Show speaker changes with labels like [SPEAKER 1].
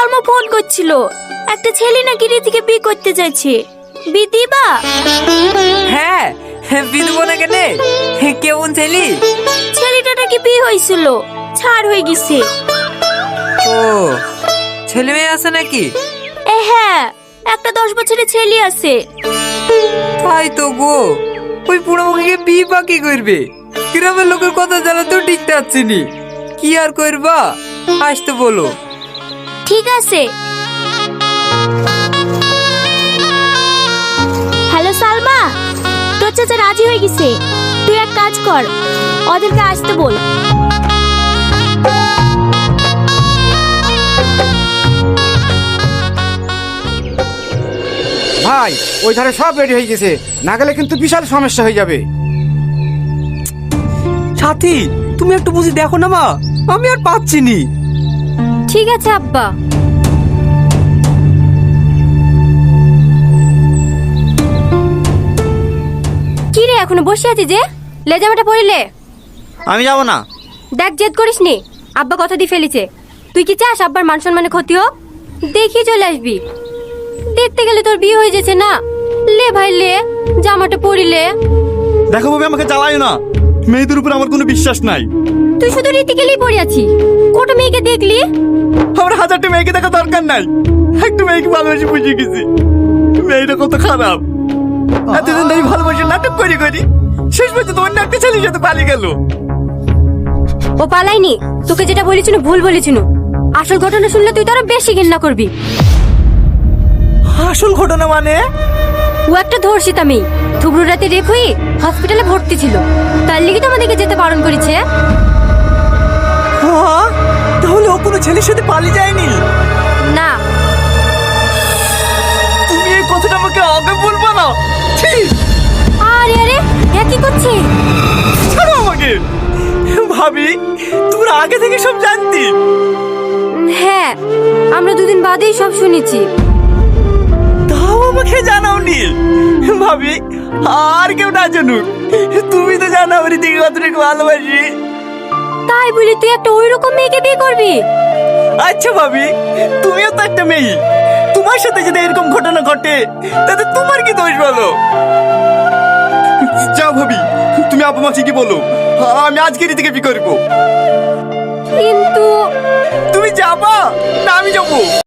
[SPEAKER 1] Salma phone করছিল, একটা ছেলে নাকি রীতিকে বিয়ে করতে চাইছে। বিয়ে দিবা?
[SPEAKER 2] হ্যাঁ, বিয়ে দেবো না কেন? কেমন ছেলে?
[SPEAKER 1] ছেলেটা নাকি বিয়ে হয়েছিল, ছাড় হয়ে গেছে।
[SPEAKER 2] ও, ছেলে মেয়ে আছে নাকি?
[SPEAKER 1] হ্যাঁ, একটা 10 বছরের ছেলে আছে।
[SPEAKER 2] তাই তো গো, ওই বুড়ো মুখে বিয়ে বা কি করবে? গ্রামের লোকের কথা জানা তো ঠিক থাকছে নি। কি আর করবা, আসতে বলো।
[SPEAKER 1] ঠিক আছে। হ্যালো সালমা, তোর চাচা রাজি হয়ে গেছে। তুই এক কাজ কর, ওদেরকে আসতে বল।
[SPEAKER 3] ভাই, ওই ধারে সব রেডি হয়ে গেছে, না গেলে কিন্তু বিশাল সমস্যা হয়ে যাবে।
[SPEAKER 2] সাথী, তুমি একটু বুঝি দেখো না মা, আমি আর পাচ্ছি নি।
[SPEAKER 1] ঠিক আছে আব্বা। কি রে, এখনো বসে আছিস যে? লেজামাটা পরিলে?
[SPEAKER 3] আমি যাব না।
[SPEAKER 1] দেখ, জেদ করিস নি, আব্বা কথা দিয়ে ফেলেছে। তুই কি চাস আব্বার মান সম্মানে ক্ষতি হোক? দেখি চলে আসবি। দেখতে গেলে তোর বিয়ে হয়ে যাচ্ছে না। লে ভাই লে, জামাটা পরিলে।
[SPEAKER 4] দেখো ভাবে আমাকে জ্বালায় না, মেয়েদের উপর আমার কোনো বিশ্বাস নাই।
[SPEAKER 1] তুই শুধু রীতি গেলেই পড়ে আছি, কত মেয়েকে দেখলি?
[SPEAKER 4] আমার 1000টা মেয়েকে দেখা দরকার নাই, একটা মেয়েকে ভালোবাসি বুঝে গেছি। মেয়েটা কত খারাপ, এতদিন ধরে ভালোবাসি নাটক করি করি শেষ পর্যন্ত অন্য একটা ছেলের সাথে পালিয়ে গেল।
[SPEAKER 1] ও পালাইনি, তোকে যেটা বলেছিল ভুল বলেছিল। আসল ঘটনা শুনলে তুই তো আরো বেশি ঘৃণা করবি।
[SPEAKER 2] আসল ঘটনা মানে?
[SPEAKER 1] ও একটা ধর্ষিত মেয়ে, থুবড়ু রাতে রেপ হয়ে হসপিটালে ভর্তি ছিল। তার লিগে তো আমাদেরকে যেতে বারণ করেছে।
[SPEAKER 2] হ্যাঁ, তাহলে ও কোনো ছেলের সাথে পালিয়ে যায়নি?
[SPEAKER 1] না।
[SPEAKER 4] তুমি এই কথাটা আমাকে আগে বলবা না। ছি,
[SPEAKER 1] আরে আরে, এ কি করছে?
[SPEAKER 4] ছাড়ো আমাকে। ভাবি, তোমরা আগে থেকে সব জানতি?
[SPEAKER 1] হ্যাঁ, আমরা দুদিন বাদেই সব শুনেছি।
[SPEAKER 4] তাও আমাকে জানাওনি। ভাবি, আর কেউ না জানুক, তুমি তো জানো আমার দিকে কতটুকু ভালোবাসি।
[SPEAKER 1] তাই বলি তুই একটা ওই রকম মেয়েকে বিয়ে করবি?
[SPEAKER 4] আচ্ছা ভাবি, তুমিও তো একটা মেয়ে, তোমার সাথে যদি এরকম ঘটনা ঘটে তাতে তোমার কি দোষ বলো? যাও ভাবি, তুমি আপা মাসি কি বলো, আমি আজকে রীতিকে বিয়ে করবো।
[SPEAKER 1] কিন্তু
[SPEAKER 4] তুমি যাবা না আমি যাবো?